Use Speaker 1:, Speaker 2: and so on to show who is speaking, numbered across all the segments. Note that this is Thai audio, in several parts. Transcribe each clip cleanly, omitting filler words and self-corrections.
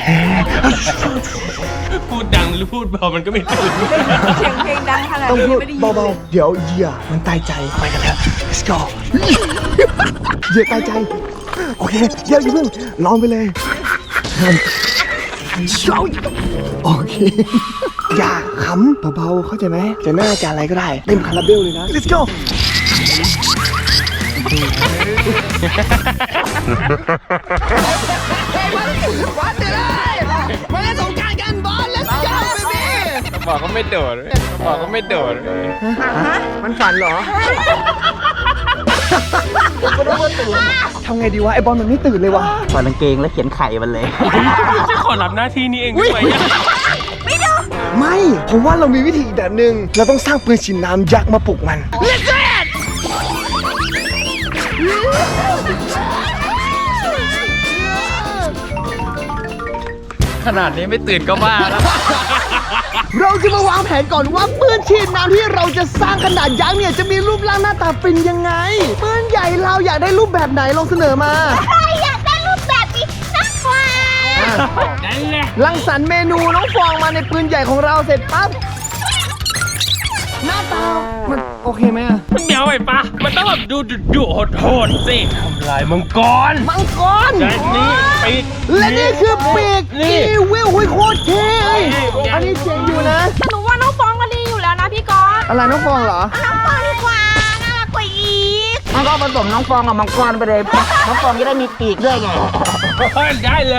Speaker 1: พูดดังหรือพูดเบามันก็ไม่ตื่น
Speaker 2: เสียงเพลงดังขนาด
Speaker 3: ต้อง
Speaker 2: นี้
Speaker 3: พูด
Speaker 2: ไม่ได้ยิน
Speaker 3: เบาๆเดี๋ยวเหยื่อมันตายใจไปกันเถอะ let's go เหยื่อตายใจโอเคเหยื่ออย่าเพิ่งลองไปเลยโอเคอย่าขำเบาๆเข้าใจไหมจะหน้าจะอะไรก็ได้เต็มคาราเบลเลยนะ let's go มาเล่นสงกรานต์กันบอล let's go baby
Speaker 1: บอกก็ไม่โดดบอกก็ไม่โดด
Speaker 3: มันฝันเหรอทำไงดีวะไอบอลมันไม่ตื่นเลยวะ
Speaker 4: ถอดกางเกงแล้วเขียนไข่มันเลย
Speaker 1: จะขอรับหน้าที่นี้เองด้วย
Speaker 3: ไม่ผมว่าเรามีวิธีอีกแบบหนึ่งเราต้องสร้างปืนฉีดน้ำยักษ์มาปลุกมัน
Speaker 1: ขนาดนี้ไม่ตื่นก็บ้าแล้ว
Speaker 3: เราจะมาวางแผนก่อนว่าปืนฉีดน้ำที่เราจะสร้างขนาดยักษ์เนี่ยจะมีรูปร่างหน้าตาเป็นยังไงปืนใหญ่เราอยากได้รูปแบบไหนลองเสนอมา
Speaker 2: อยากได้รูปแบบนี้นักกว่า
Speaker 1: นั่นแหละ
Speaker 3: รังสรรค์เมนูน้องฟองมาในปืนใหญ่ของเราเสร็จปั๊บหน้าตามันโอเคไหมอะ
Speaker 1: เดี๋ยวไอ้ปะมันต้องแบบดูโหดๆสิทำลายมังกร
Speaker 3: มังกร
Speaker 1: และนี่ปีก
Speaker 3: และนี่คือปีก
Speaker 1: นี่
Speaker 3: อีวิลหุยโคตรเท่อันนี้เจ๋งอยู่นะ
Speaker 2: แต่หนูว่าน้องฟองก็ดีอยู่แล้วนะพี่ก๊อต
Speaker 3: อะไรน้องฟองเหรอ
Speaker 2: น้องฟองดีกว่าน่ารักกว่าอีก
Speaker 4: มันก็ผสมน้องฟองกับมังกรไปเลย น้องฟองจะได้มีปีกด้วยไง
Speaker 1: เฮ้ยได้เลย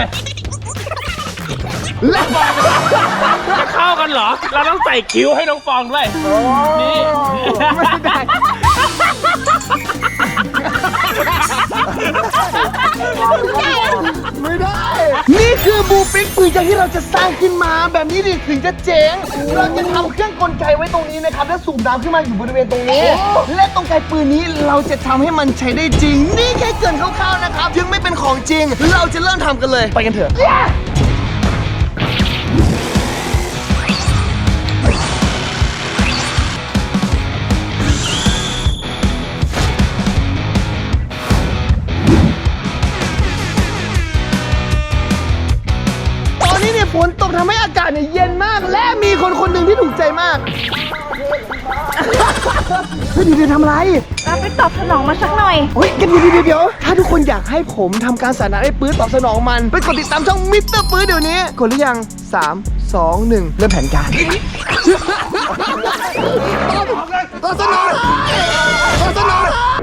Speaker 3: และ
Speaker 1: จะเข้ากันเหรอ เราต้องใส่คิ้วให้น้องฟองด้วยนี่
Speaker 3: ไม่ได้ ไม่ได้ นี่คือบูปิกปืนที่เราจะสร้างขึ้นมาแบบนี้ดิถึงจะเจ๋ง เราจะทำเครื่องกลไกไว้ตรงนี้นะครับแล้วสูบน้ำขึ้นมาอยู่บริเวณตรงนี้ และตรงไกปืนนี้เราจะทำให้มันใช้ได้จริง นี่แค่เกรินคร่าวๆนะครับยังไม่เป็นของจริง เราจะเริ่มทำกันเลยไปกันเถอะ ตอนนี้เนี่ยฝนตกทำให้อากาศเนี่ยเย็นมาก และมีคนคนหนึ่งที่ถูกใจมาก เฮ้ยเดี๋ยวทำอะไร
Speaker 2: เราไปตอบสนองมาสักหน่อย
Speaker 3: เฮ้ยเดี๋ยวถ้าทุกคนอยากให้ผมทำการสานาให้ปื้ดตอบสนองมันไปกดติดตามช่องมิสเตอร์ปื้ดเดี๋ยวนี้กดหรือยัง 3 2 1 เริ่มแผนการตอบสนองตอบสนอง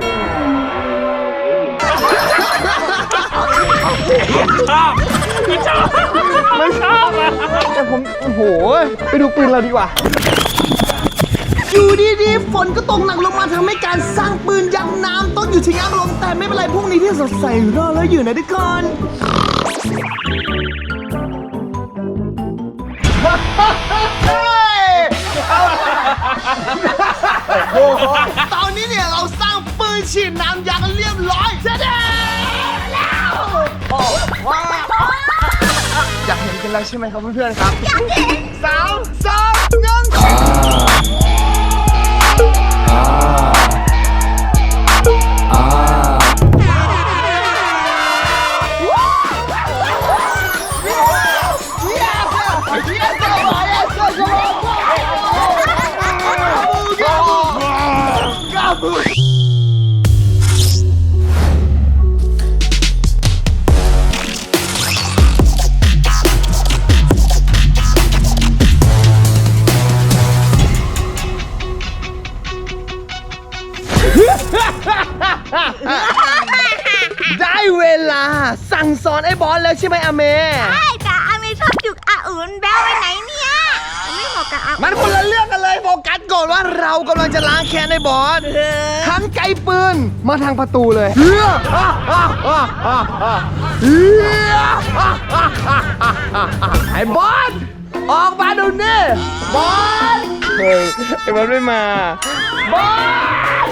Speaker 1: ชอบไม่ชอบไม่ชอบอ่ะ
Speaker 3: แต่ผมโอ้โหไปดูปืนเราดีกว่า อยู่ดีๆฝนก็ตกหนักลงมาทำให้การสร้างปืนยักษ์น้ำต้องอยู่ชะงักลงแต่ไม่เป็นไรพรุ่งนี้ที่สดใสรอแล้วอยู่นะทุกคนตอนนี้เนี่ยเราสร้างปืนฉีดน้ำยักษ์เรียบร้อยเสร็จแล้วอยากเห็นกันแล้วใช่ไหมครับเพื่อนๆครับอยากเห็น3 2 1ได้เวลาสั่งสอนไอ้บอสแล้วใช่ไหมอาเม
Speaker 2: ใช่แต่อาเมชอบจุกอาอุ่นแบ้วไปไหนเนี่ยไม่เหมาะกับอาอุ่น
Speaker 3: มันคนละเรื่องกันเลยโฟกัสก่อนว่าเรากำลังจะล้างแค้นไอ้บอสทั้งไกลปืนมาทางประตูเลยไอ้บอสออกมาดูนี่บอสเฮ้ยไอ้บอสไม่มาบอส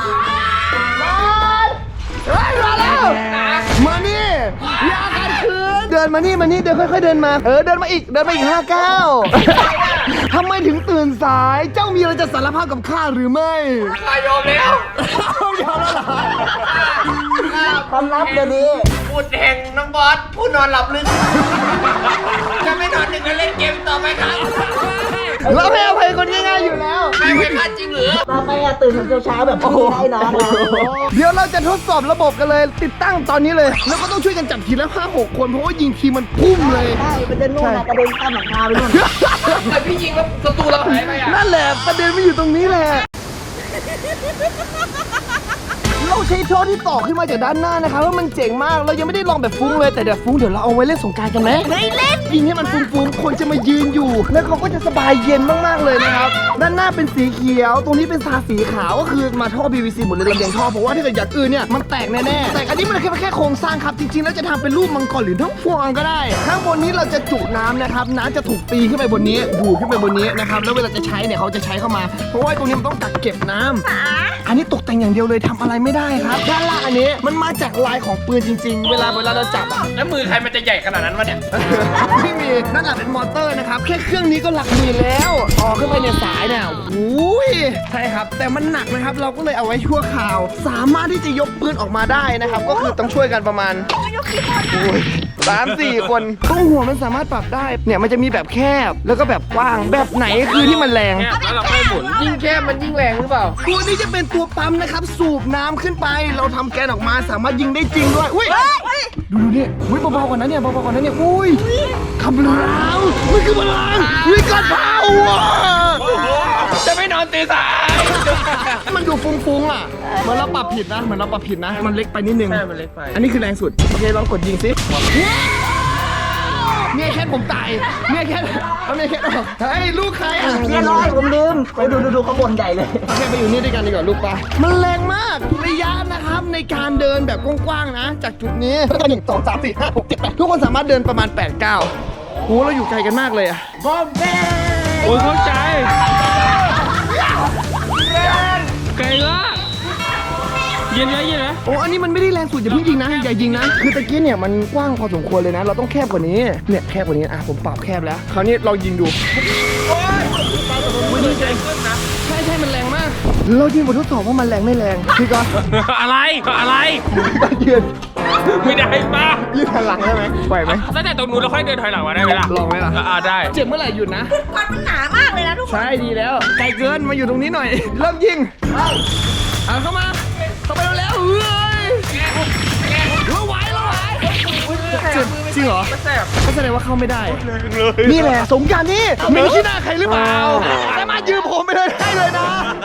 Speaker 3: เฮ้ยมาแล้วมานี่อย่าขัดขืนเดินมานี่เดินค่อยๆเดินมาเดินมาอีก5 ก้าวทำไมถึงตื่นสายเจ้ามีอะไรจะสารภาพกับข้าหรือไม่ข้ายอมแล้วยอมแล้วเหรอ
Speaker 4: ความลับเดี๋ยวนี้
Speaker 1: พูดแห่งน้องบอสพูดนอนหลับลึก
Speaker 3: เราให้อภัยคนง่ายๆอยู่แล้ว
Speaker 1: ไม่ไว้ค่าจริงหรือ
Speaker 4: ต่อไปอะตื่นเช้าๆแบบโอ้โหได้นอนแล้ว
Speaker 3: เดี๋ยวเราจะทดสอบระบบกันเลย ติดตั้งตอนนี้เลย แล้วก็ต้องช่วยกันจับทีละ5-6 คนเพราะว่ายิงทีมันพุ่มเลย
Speaker 4: ใช่มันจะนู่นนะกระเด็นข้ามหลังคาไปนู่น
Speaker 1: แต่พี่ยิงแล้วศัตรูเราหายไปอ่ะ
Speaker 3: นั่นแหละประเด็นมันอยู่ตรงนี้แหละ เราใช้ท่อที่ต่อขึ้นมาจากด้านหน้านะครับว่ามันเจ๋งมาก เรายังไม่ได้ลองแบบฟุ้งเลยแต่เดี๋ยวฟุ้งเดี๋ยวเราเอาไว้เล่นสงกรานต์กันไหม
Speaker 2: ไม่เล่น
Speaker 3: ยิงให้มันฟุ้งๆคนจะมายืนอยู่ แล้วเขาก็จะสบายเย็นมากๆเลยนะครับ ด้านหน้าเป็นสีเขียว ตรงนี้เป็นทาสีขาวก็คือมาท่อ PVC หมดเลยลำเลียงท่อเพราะว่าถ้าเกิดอย่างอื่นเนี่ยมันแตกแน่ๆแต่อันนี้มันแค่โครงสร้างครับจริงๆแล้วจะทำเป็นรูปมังกรหรือทั้งพวงก็ได้ ข้างบนนี้เราจะจุน้ำนะครับน้ำจะถูกตีขึ้นไปบนนี้ดูดขึ้นไปบนนี้นะครับแล้วเวลาจะใช้เนี่ยเขาจะใช้เข้ามา เพราะว่าตรงนี้มันต้องกักเก็บน้ำอันนี้ตกแต่งอย่างเดียวเลยทำอะไรไม่ได้ครับด้านล่างอันนี้มันมาจากลายของปืนจริง ๆ เวลาเราจับอะ
Speaker 1: แล้วมือใครมันจะใหญ่ขนาดนั้นวะเนี่ย
Speaker 3: ไม่มีนั่นแหละเป็นมอเตอร์นะครับ แค่เครื่องนี้ก็หลักหมื่นแล้วต่อขึ้นไปในสายเนี่ยโอ้ยใช่ครับ แต่มันหนักนะครับ เราก็เลยเอาไว้ชั่วคราว สามารถที่จะยกปืนออกมาได้นะครับ ก็คือต้องช่วยกันประมาณ3-4 คนตรงหัวมันสามารถปรับได้ เนี่ยมันจะมีแบบแคบ แล้วก็แบบกว้าง แบบไหนคือที่มันแรง
Speaker 1: แล้วเราค่อยหมุน ยิ่งแคบมันยิ่งแรงหรือเปล่า
Speaker 3: ตัวนี้จะเป็นตัวปั๊มนะครับ สูบน้ำขึ้นไป เราทำแกนออกมาสามารถยิงได้จริงด้วย อุ้ย ดูเนี่ยอุ้ยเบาๆกว่านั้นเนี่ยเบาๆกว่านั้นเนี่ยอุ้ยคำรามมันคือพลังวิกฤตเผาอ่ะ
Speaker 1: จะไม่นอนตีสาย
Speaker 3: มันดูฟุ้งๆอ่ะเหมือนเราปรับผิดนะมันเล็กไปนิดนึง
Speaker 1: ใช่มันเล็กไป
Speaker 3: อันนี้คือแรงสุดโอเคลองกดยิงสิเนี่ยแค่ผมตายเนี่ยแค่เอาเนี่ยแค่เฮ้ยลูกใครอ่ะ
Speaker 4: เรียบร้อยผมลืมไปดูข้างบนใหญ่เลย
Speaker 3: โอเคไปอยู่นี่ด้วยกันดีกว่าลูกปลามันแรงมากระยะนะครับในการเดินแบบกว้างๆนะ จากจุดนี้แล้วก็1 2 3 4 5 6 7 8ทุกคนสามารถเดินประมาณ 8-9โหเราอยู่ไกลกันมากเลยอ่ะ
Speaker 1: โอ้ยเข้าใจไกลมากเย็นไหม
Speaker 3: โอ้อันนี้มันไม่ได้แรงสุดอย่าเพิ่งยิงนะอย่ายิงนะคือตะกี้เนี่ยมันกว้างพอสมควรเลยนะ เราต้องแคบกว่านี้เนี่ยแคบกว่านี้อ่ะผมปรับแคบแล้วคราวนี้เรายิงดูใช่มันแรงมากเรายิงบททดสอบว่ามันแรงไม่แรงพี่ก่อน
Speaker 1: อะไร
Speaker 3: ยืน
Speaker 1: ไม่ได้ป่ะ
Speaker 3: ยืนหันหลังได้ไหมไหวไหม
Speaker 1: ตั้งแต่ตรงนู้นเราค่อยเดินถอยหลังมาได้ไหมล่ะ
Speaker 3: ลองไหมล่ะ
Speaker 1: ได้
Speaker 3: เจ็บเมื่อไหร่หยุดนะ
Speaker 2: ควันมันหนามากเลยนะทุกคน
Speaker 3: ใช่ดีแล้วไกลเกินมาอยู่ตรงนี้หน่อย เริ่มยิงเอาเข้ามาไปแล้วเฮ้ยเราไหวจริงเหรอ
Speaker 1: แสบ
Speaker 3: ก็แสดงว่าเข้าไม่ได้ นี่แหละสงกรานต์นี่มีขี้หน้าใครหรือเปล่าสามารถยืมผมไปเลยได้เลยนะ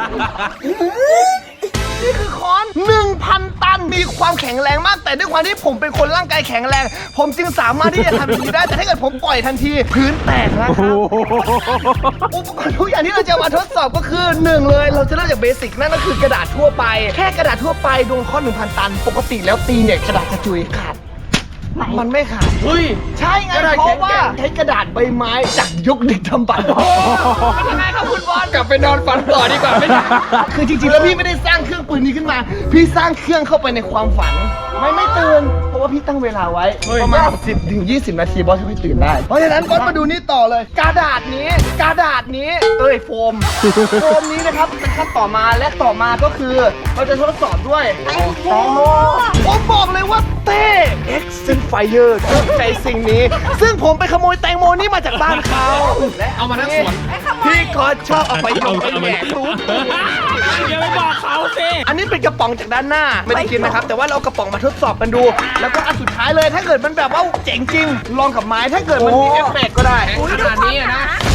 Speaker 3: นี่คือค้อน 1,000 ตัน มีความแข็งแรงมาก แต่ด้วยความที่ผมเป็นคนร่างกายแข็งแรง ผมจึงสามารถที่จะทำอย่างนี้ได้ แต่ถ้าเกิดผมปล่อยทันที พื้นแตกนะครับอุปกรณ์ทุกอย่างที่เราจะมาทดสอบก็คือ1เลยเราจะเริ่มจากเบสิกนั่นก็คือกระดาษทั่วไป แค่กระดาษทั่วไปดวงค้อน 1,000 ตัน ปกติแล้วตีเนี่ยกระดาษกระจุยขาด มันไม่ขาด
Speaker 1: เฮ้ย
Speaker 3: ใช่ไง
Speaker 1: กระดาษ
Speaker 3: เพราะว่า
Speaker 1: แข็ง
Speaker 3: ใช้กระดาษใบไม้จากยุคดึกดำบรรพ์ยังไงครับคุณบอล
Speaker 1: กลับไปนอนฝันต่อดีกว่าไม่ได้
Speaker 3: คือจริงๆแล้วพี่ไม่ได้สร้างเครื่องปืนนี้ขึ้นมา พี่สร้างเครื่องเข้าไปในความฝัน ไม่ตื่น เพราะว่าพี่ตั้งเวลาไว้ ประมาณ10-20 นาทีบอสจะค่อยตื่นได้ เพราะฉะนั้นบอสมาดูนี่ต่อเลย กระดาษนี้โฟม โฟมนี้นะครับเป็นขั้นต่อมาและต่อมาก็คือ เราจะทดสอบด้วย
Speaker 2: แตงโม
Speaker 3: ผมบอกเลยว่าเต้ X Fire ชอบใจสิ่งนี้ ซึ่งผมไปขโมยแตงโมนี่มาจากบ้านเขาและ
Speaker 1: เอามาทั้งสวน
Speaker 3: พี่ก็ชอบเอาไปยงไปแหย่ทุบ
Speaker 1: อย่าไปบอกเขาสิ
Speaker 3: อันนี้เป็นกระป๋องจากด้านหน้าไม่ได้กินนะครับ แต่ว่าเราเอากระป๋องมาทดสอบกันดู แล้วก็อันสุดท้ายเลยถ้าเกิดมันแบบว่าเจ๋งจริง ลองกับไม้ถ้าเกิดมันมีเอฟเฟกต์ก็ได้
Speaker 1: ขนาดนี้อะนะ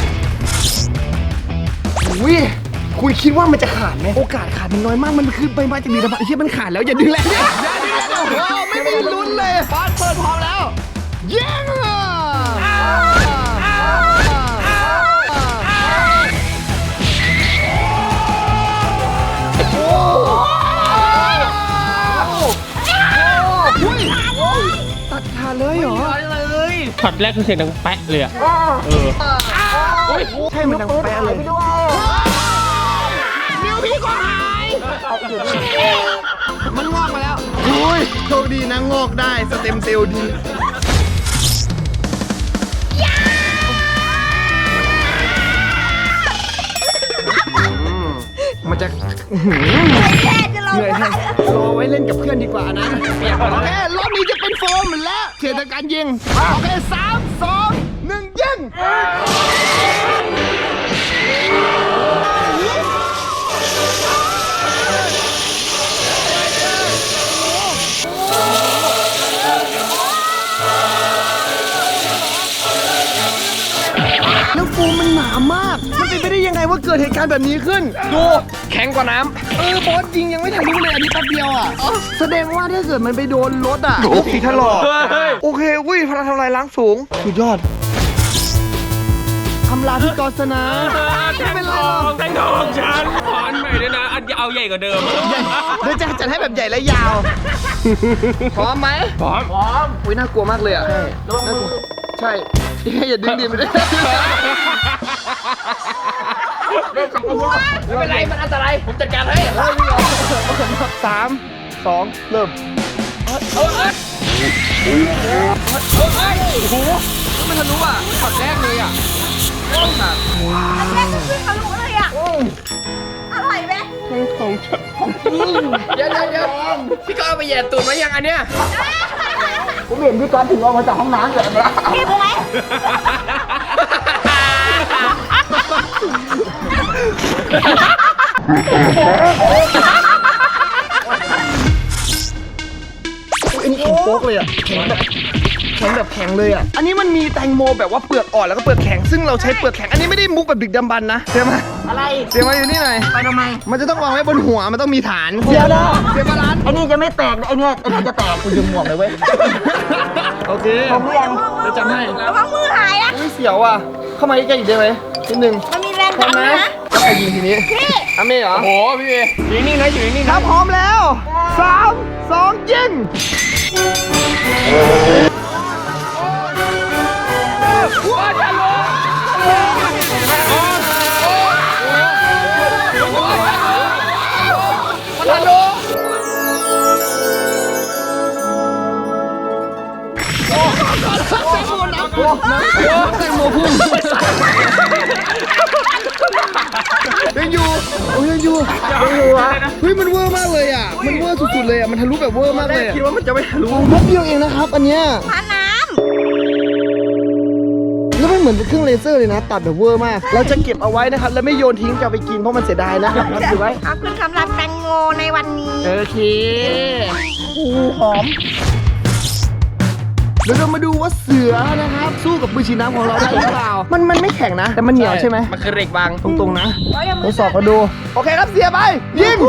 Speaker 3: อุ้ยคุณคิดว่ามันจะขาดไหมโอกาสขาดมันน้อยมากมันคือใบไม้จากดีดำบันไอ้ที่มันขาดแล้วอย่าดึงแรงดิอย่าดึงแรงโอ้โหไม่มีลุ้นเลยบอสเปิดพร้อมแล้วยิงตัดขาดเลยเหรอ
Speaker 1: ช็อตแรกคือเสียงดังแปะเลยอะ
Speaker 3: ใช่มันดังแปะเลยนิ้วพี่ก็หายมันงอกมาแล้วอุ้ยโชคดีนะงอกได้สเต็มเซลล์ดีมันจะ
Speaker 2: แค่จะลง
Speaker 3: เหนื่อย
Speaker 2: มา
Speaker 3: แทนรอไว้เล่นกับเพื่อนดีกว่านะโอเครอบนี้จะเป็นโฟมและเขตการยิงโอเค3 2 1ยิงแล้วโฟมมันหนามาก มันเป็นไปได้ยังไงว่าเกิดเหตุการณ์แบบนี้ขึ้น ดูแข็งกว่าน้ำบอสยิงยังไม่ทันรู้เลยอันนี้แป๊บเดียวอ่ะแสดงว่าถ้าเกิดมันไปโดนรถอ่ะผีถลอกโอเคอุ้ยพลังทำลายล้างสูงสุดยอดทำลายที่กอสนะไม่เป็นไรหรอก
Speaker 1: แตงทองฉันขออันใหม่ด้วยนะอันเอาใหญ่กว่าเดิม
Speaker 3: เดี๋ยวจะจัดให้แบบใหญ่และยาว พร้อมไหม
Speaker 1: พร้อม
Speaker 3: อุ้ยน่ากลัวมากเลยอ่ะน่ากลัวใช่อย่าดึงดิไม่ได้
Speaker 1: ไม่เป็นไรมันอันตรายผมจัดการให้
Speaker 3: 3 2 เริ่มมันทะลุอ่ะช็อตแรกเลยอ่ะ
Speaker 2: อันแรกก็ขึ้นทะลุเลยอ่ะอร่อยไหม
Speaker 1: เดี๋ยวพี่ก็เอาไปแย่ตูดไว้ยังอันเนี้ย
Speaker 4: ผมเห็นพี่กอนถึงออกมาจากห้องน้ำเลยนะ
Speaker 2: เก็บไหม
Speaker 3: อันนี้แข็งโป๊กเลยอ่ะแข็งแบบแข็งเลยอ่ะ อันนี้มันมีแตงโมแบบว่าเปลือกอ่อนแล้วก็เปลือกแข็งซึ่งเราใช้เปลือกแข็งอันนี้ไม่ได้มุกแบบดึกดำบรรพ์นะเสียมา
Speaker 4: อะไร
Speaker 3: เสียมาอยู่นี่หน่อย
Speaker 4: ไปทำไม
Speaker 3: มันจะต้องวางไว้บนหัวมันต้องมีฐาน
Speaker 4: เดี๋ยวนะ
Speaker 3: เสียบาลานซ์
Speaker 4: ไอ้นี่จะไม่แตกนะไอ้นี่จะแตกคุณดึงหมวกเลยเว้ย
Speaker 3: โอเค
Speaker 4: ผมเรียน
Speaker 3: จะจำให้
Speaker 2: ระวังมือหายอ่ะ
Speaker 3: ไม่เสียวอ่ะเข้ามาใกล้ๆอีกได้ไหมนิดนึง
Speaker 2: มันมีแรงดันด้วยนะ
Speaker 3: แล้วใครยิงทีนี้
Speaker 2: พี่
Speaker 3: อาเม่เหรอ
Speaker 1: โอ้โหพี่เมย์อยู่นิ่งนะอยู่นิ่ง
Speaker 3: ถ้า
Speaker 1: นะ
Speaker 3: พร้อมแล้ว 3 2 ยิงแตงโมพุ่งยังอยู่โอ้ยังอยู่เฮ้ยมันเวอร์มากเลยอ่ะมันเวอร์สุดๆเลยอ่ะมันทะลุแบบเวอร์มากเลยคิดว่ามันจะไม่ทะลุแป๊บเดียวเองนะครับอันเนี้ย
Speaker 2: พาน้
Speaker 3: แล้วมันเหมือนเป็นเครื่องเลเซอร์เลยนะตัดแบบเวอร์มากเราจะเก็บเอาไว้นะครับแล้วไม่โยนทิ้งจะเอาไปกินเพราะมันเสียดายนะครับ
Speaker 2: ำ
Speaker 3: ถือไว้
Speaker 2: ขอบคุณสำหรับแตงโมในวันนี้
Speaker 3: โอเคหอมเดี๋ยวเรามาดูว่าเสือนะครับสู้กับปืนฉีดน้ำของเราได้หรือเปล่ามันไม่แข็งนะแต่มันเหนียวใช่ไหม
Speaker 1: มันคือเหล็กบาง
Speaker 3: ตรงๆนะ
Speaker 2: เอาอย่า
Speaker 3: ท
Speaker 2: มื
Speaker 3: ดสอบมาดู โอเคครับเสียไป ยิง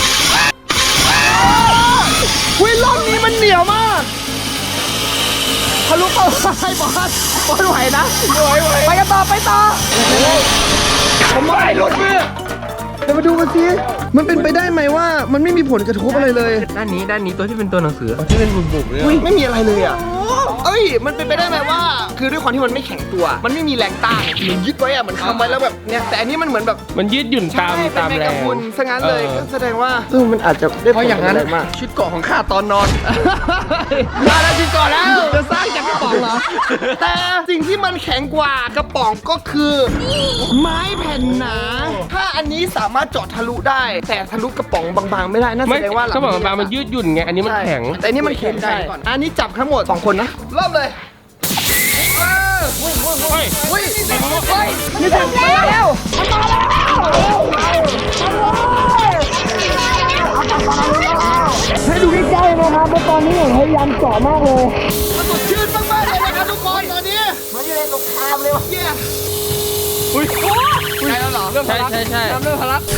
Speaker 3: วิลล่องนี้มันเหนียวมากทะลุเข้าไปบอสไหวนะไปกันต่อไปต่อผมไม่หลุดมือเดี๋ยวมาดูกันสิมันเป็นไปได้ไหมว่ามันไม่มีผลกระทบอะไรเลย
Speaker 1: ด้านนี้ตัวที่เป็นตัวหนังสือที่เป็นบุบๆเนี่ย
Speaker 3: อุ้ยไม่มีอะไรเลยอ่ะเอ้ยมันเป็นไปได้ไหมว่า คือด้วยความที่มันไม่แข็งตัว มันไม่มีแรงต้านเหมือนยึดไว้อ่ะเหมือนค้ำไว้แล้วแบบเนี่ยแต่อันนี้มันเหมือนแบบ
Speaker 1: มันยืดหยุ่นตาม
Speaker 3: เป็นแมง
Speaker 1: แร
Speaker 3: กะ
Speaker 1: ง
Speaker 3: พรุนซะงั้นเลย
Speaker 1: เออ
Speaker 3: ก็แสดงว่ามันอาจจะได้
Speaker 1: เพราะอย่างนั้น
Speaker 3: ผละไรมาก
Speaker 1: ชุดเกาะของข้าตอนนอน
Speaker 3: มาแล้วชุดเก่อนแล้วจะสร้างจากกระป๋องเหรอแต่สิ่งที่มันแข็งกว่ากระป๋องก็คือ ไม้แผ่นหนา ถ้าอันนี้สามารถเจาะทะลุได้ แต่ทะลุกระป๋องบางๆไม่ได้นั่นแสดงว่าหลั
Speaker 1: ก็บอกบางมันยืดหยุ่นไงอันนี้มันแข็ง
Speaker 3: แต่อันนี้มันแข็งได้อันนี้จับทั้งหมด2คนนะเริ่มเลยนี่ถึงแล้วให้ดูใกล้ๆนะครับเพราะตอนนี้ผมพยายามเจาะมากเลยมันสดชื่นมากๆเลยนะครับทุกคนตอนนี้มันอยู่ในสงครามเลยวะเนี่ย
Speaker 1: อุ้ยใช่แล้วเหรอใช่เริ่มพลัก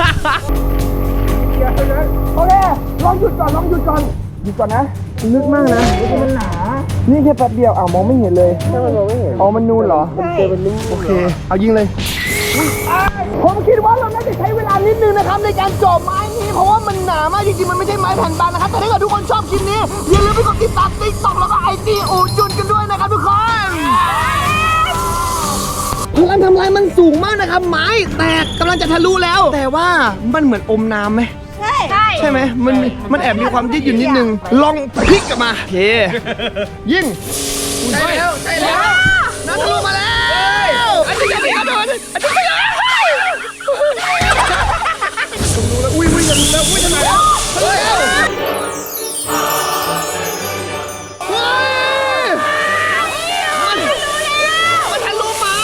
Speaker 3: โอเคลองหยุดก่อนหยุดก่อนนะลึกมากนะมันหนานี่แค่แป๊บเดียวมองไม่เห็นเลยอ๋อมันนูนเหรอโอเคเอายิงเลยผมคิดว่าเราน่าจะใช้เวลานิดนึงนะครับในการเจาะไม้นี้เพราะว่ามันหนามากจริงๆมันไม่ใช่ไม้แผ่นบางนะครับแต่ถ้าเกิดทุกคนชอบคลิปนี้อย่าลืมไปกดติดตามTikTokแล้วก็IG อูจุนกันด้วยนะครับทุกคนพลังทำลายมันสูงมากนะครับไม้แตกกำลังจะทะลุแล้ว แต่ว่ามันเหมือนอมน้ำไหม
Speaker 2: ใช่
Speaker 3: ใช่ไหมมันแอบมีความยืดหยุ่นนิดนึงลองพลิกกลับมาโอเคยิงใช่แล้วน้ำทะลุมาแล้วอันนี้ยังไม่เอาโดนอันนี้ไม่เอาอุ้ยอย่ารู้แล้วอุ้ยทำไมแล้วเฮ้ยมันทะลุมา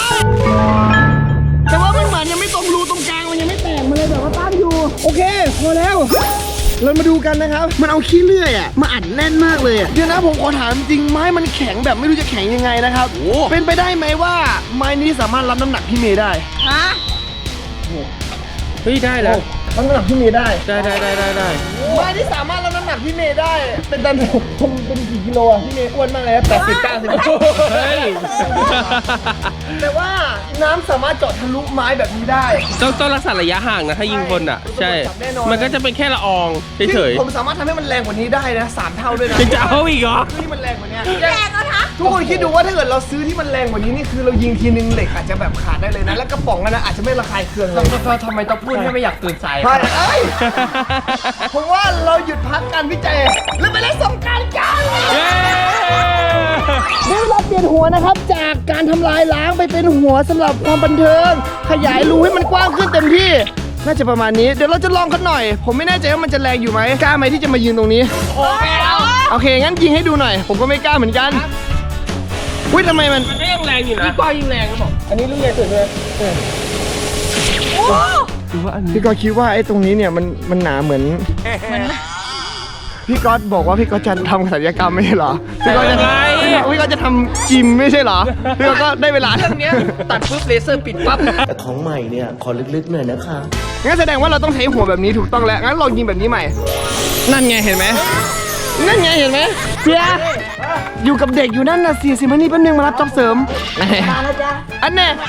Speaker 3: แต่ว่ามันเหมือนยังไม่ตรงรูตรงกลางมันยังไม่แตกมาเลยแบบว่าตั้งอยู่โอเคพอแล้วเรามาดูกันนะครับ มันเอาขี้เลื่อยอ่ะมาอัดแน่นมากเลยอะเดี๋ยวนะผมขอถามจริงไม้มันแข็งแบบไม่รู้จะแข็งยังไงนะครับ เป็นไปได้ไหมว่าไม้นี้สามารถรับน้ำหนักพี่เมย์ได้
Speaker 2: ฮะ
Speaker 1: เฮ้ยได้แล้ว
Speaker 3: รับน้ำหนักพี่เมย์ได้
Speaker 1: ได้
Speaker 3: ไม้ที่สามารถรับน้ำหนักพี่เมย์ได้ เป็นตันผมเป็นกี่กิโลอ่ะพี่เมย์อ้วนมากเลย80-90
Speaker 1: เฮ้ย
Speaker 3: แต่ว่าน้ำสามารถเจาะทะลุไม้แบบนี้ได้
Speaker 1: ต้องรักษาระยะห่างนะถ้ายิงคนอ่ะ ใช่
Speaker 3: แน่นอน
Speaker 1: มันก็จะเป็นแค่ละอองเฉย
Speaker 3: ผมสามารถทำให้มันแรงกว่านี้ได้นะ3 เท่าด้วยนะ
Speaker 1: ๆจะเอาอีกเหรอ
Speaker 3: ที่มันแรงกว่านี้
Speaker 2: แรงเอาทัก
Speaker 3: ทุกคนคิดดูว่าถ้าเกิดเราซื้อที่มันแรงกว่านี้นี่คือเรายิงทีนึงเหล็กอาจจะแบบขาดได้เลยนะ แล้วกระป๋องนั้นนะอาจจะไม่ระคายเคืองเลย
Speaker 4: ทำไมต้องพูดให้ไม่อยากตื่นสาย
Speaker 3: ใช่เอ้ยผมว่าเราหยุดพักการวิจัยแล้วไปเล่นสงกรานต์กัน
Speaker 1: เย้
Speaker 3: ได้เวลาเปลี่ยนหัวนะครับ จากการทำลายล้างไปเป็นหัวสำหรับความบันเทิง ขยายรูให้มันกว้างขึ้นเต็มที่ น่าจะประมาณนี้ เดี๋ยวเราจะลองกันหน่อย ผมไม่แน่ใจว่ามันจะแรงอยู่ไหมกล้าไหมที่จะมายืนตรงนี้ โอเค งั้นยิงให้ดูหน่อย ผมก็ไม่กล้าเหมือนกันอุ้ยทำไมมัน
Speaker 1: มันก็ยังแรงอยู่นะ
Speaker 4: ก็ยิงแรงก็บอก
Speaker 3: อันนี้รุ่นใหญ่สุดเลย พี่ก๊อตคิดว่าไอ้ตรงนี้เนี่ยมันหนาเหมือนพี่ก๊อตบอกว่าพี่ก๊อตจะทำศัลยกรรมไม่ใช่เหรอ พี่ก๊อตจะ
Speaker 1: อะไร
Speaker 3: พี่ก๊อตจะทำจิมไม่ใช่เหรอ พี่ก๊อตก็ได้เวลา
Speaker 4: เรื่องเนี้ยตัดปุ๊บเลเซอร์ปิดปั๊บ
Speaker 5: แต่ของใหม่เนี่ย ขอลึกๆหน่อยนะคะ
Speaker 3: งั้นแสดงว่าเราต้องใช้หัวแบบนี้ถูกต้องแล้ว งั้นลองยิงแบบนี้ใหม่ นั่นไงเห็นไหมนั่นไงเห็นไหมเสียอยู่กับเด็กอยู่นั่นน่ะ40 นาทีแป๊บนึงมารับจ็อบเสริมมาแล้วจ้ะอันเนี้ย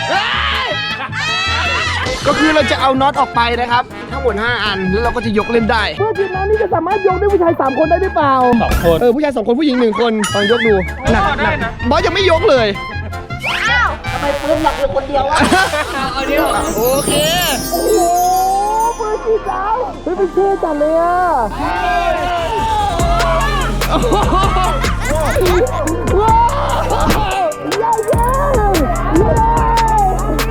Speaker 3: ก็คือเราจะเอาน็อตออกไปนะครับ ทั้งหมด5 อันแล้วเราก็จะยกเล่นได้เมื่อทีมน้ำนี่จะสามารถยกด้วยผู้ชาย3 คนได้หรือเปล่า
Speaker 1: 2 คน
Speaker 3: ผู้ชาย2 คนผู้หญิง1 คนลองยกดูหนัก
Speaker 1: ได้นะ
Speaker 3: บอสยังไม่ยกเลย
Speaker 2: อ้าว
Speaker 4: เอาเดียว
Speaker 3: โอเคโอ้โหปืนสีขาวเฮ้ยเป็นเท่จัดเลยอ่ะโอ้โหว้าวเย้เย้เย้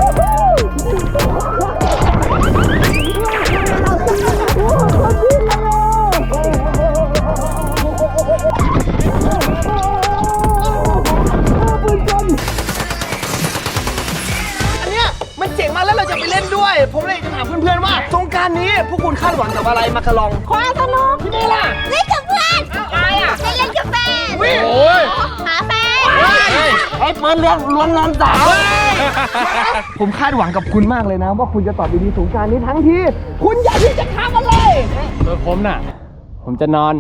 Speaker 3: อันเนี้ยมันเจ๋งมากแล้วเราจะไปเล่นด้วย ผมเลยจะถามเพื่อนๆว่าสงกรานต์นี้พวกคุณคาดหวังกับอะไรมาคารอง
Speaker 2: ความสนุก
Speaker 3: พี่นี่ล่ะ
Speaker 2: เล่นกับเพื่อนอะไรอ่ะไปเล่นกับแฟน
Speaker 3: วิ่ง
Speaker 2: หาแฟน
Speaker 4: ไอ้ปืนล้วงนอนสาว
Speaker 3: ผมคาดหวังกับคุณมากเลยนะ ว่าคุณจะตอบดีๆสงกรานต์นี้ทั้งที่ คุณอยากที่จะทำอะไร
Speaker 1: ผมน่ะ ผมจะนอน